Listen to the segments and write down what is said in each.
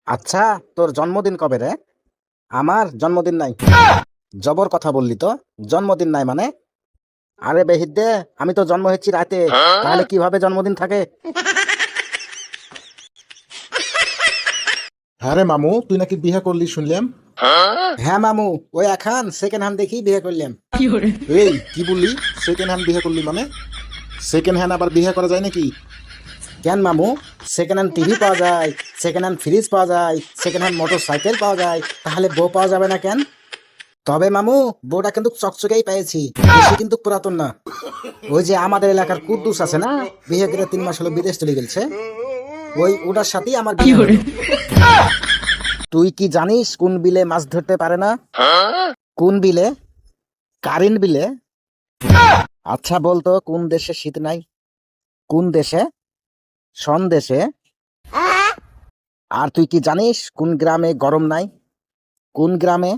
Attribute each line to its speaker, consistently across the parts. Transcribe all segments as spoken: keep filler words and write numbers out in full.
Speaker 1: আচ্ছা, তোর জন্মদিন কবে রে? আমার জন্মদিন নাই। জবর কথা বললি তো। জন্মদিন নাই মানে? আরে বেহিদ্দে, আমি তো জন্ম হচ্ছি রাতে, তাহলে কিভাবে জন্মদিন থাকে?
Speaker 2: হ্যাঁ রে মামু, তুই নাকি বিয়ে করলি শুনলাম।
Speaker 1: হ্যাঁ মামু, ওই এখন সেকেন্ড হ্যান্ড দেখি বিয়ে করলাম।
Speaker 2: এই কি বললি? সেকেন্ড হ্যান্ড বিয়ে করলি মানে? সেকেন্ড হ্যান্ড আবার বিয়ে করা যায় নাকি?
Speaker 1: কেন মামু? সেকেন্ড হ্যান্ড টিভি পাওয়া যায়, সেকেন্ড হ্যান্ড ফ্রিজ পাওয়া যায়, সেকেন্ড হ্যান্ড মোটর সাইকেল পাওয়া যায়, তাহলে বউ পাওয়া যাবে না কেন? তবে মামু, বউটা কিন্তু চকচকেই পেয়েছি, বেশি কিন্তু পুরাতন না। ওই যে আমাদের এলাকার কুদ্দুস আছে না, বিয়ে করে তিন মাস হলো বিদেশ চলে গেছে, ওই ওটার সাথেই আমার বিয়ে হলো। তুই কি জানিস কোন বিলে মাছ ধরতে পারে না? কোন বিলে? কারেন্ট বিলে। আচ্ছা বলতো, কোন দেশে শীত নাই? কোন দেশে? সন দেশে। আর তুই কি জানিস কোন গ্রামে গরম নাই? কোন গ্রামে?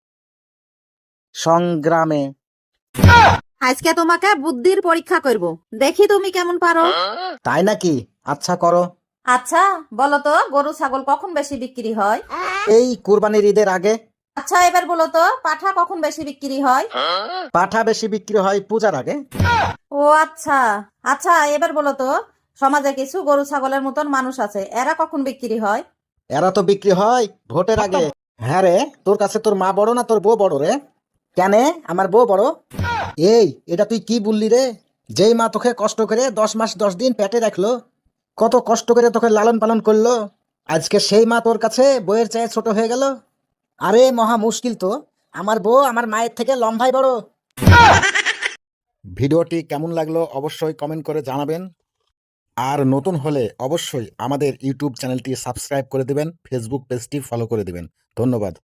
Speaker 1: সংগ্রামে।
Speaker 3: আজকে তোমাকে বুদ্ধির পরীক্ষা করব, দেখি তুমি কেমন পারো।
Speaker 1: তাই নাকি? আচ্ছা করো।
Speaker 3: আচ্ছা বলো তো, গরু ছাগল কখন বেশি বিক্রি হয়?
Speaker 1: এই কুরবানির ঈদের আগে।
Speaker 3: আচ্ছা এবার বলো তো, পাঠা কখন বেশি বিক্রি হয়?
Speaker 1: পাঠা বেশি বিক্রি হয় পূজার আগে।
Speaker 3: ও আচ্ছা। আচ্ছা এবার বলো তো, সমাজে কিছু গরু ছাগলের মতন মানুষ আছে, এরা কখন বিক্রি হয়?
Speaker 1: এরা তো বিক্রি হয় ভোটের আগে। হ্যাঁ রে, তোর কাছে তোর মা বড় না তোর বউ বড় রে? কেন? আমার বউ বড়। এই, এটা তুই কি বললি রে? যেই মা তোকে কষ্ট করে দশ মাস দশ দিন পেটে রাখলো, কত কষ্ট করে তোকে লালন পালন করলো, আজকে সেই মা তোর কাছে বইয়ের চেয়ে ছোট হয়ে গেল? আরে মহা মুশকিল তো। আমার বউ আমার মায়ের থেকে লম্বাই বড়।
Speaker 2: ভিডিওটি কেমন লাগলো অবশ্যই কমেন্ট করে জানাবেন। আর নতুন হলে অবশ্যই আমাদের ইউটিউব চ্যানেলটি সাবস্ক্রাইব করে দেবেন, ফেসবুক পেজটি ফলো করে দেবেন। ধন্যবাদ।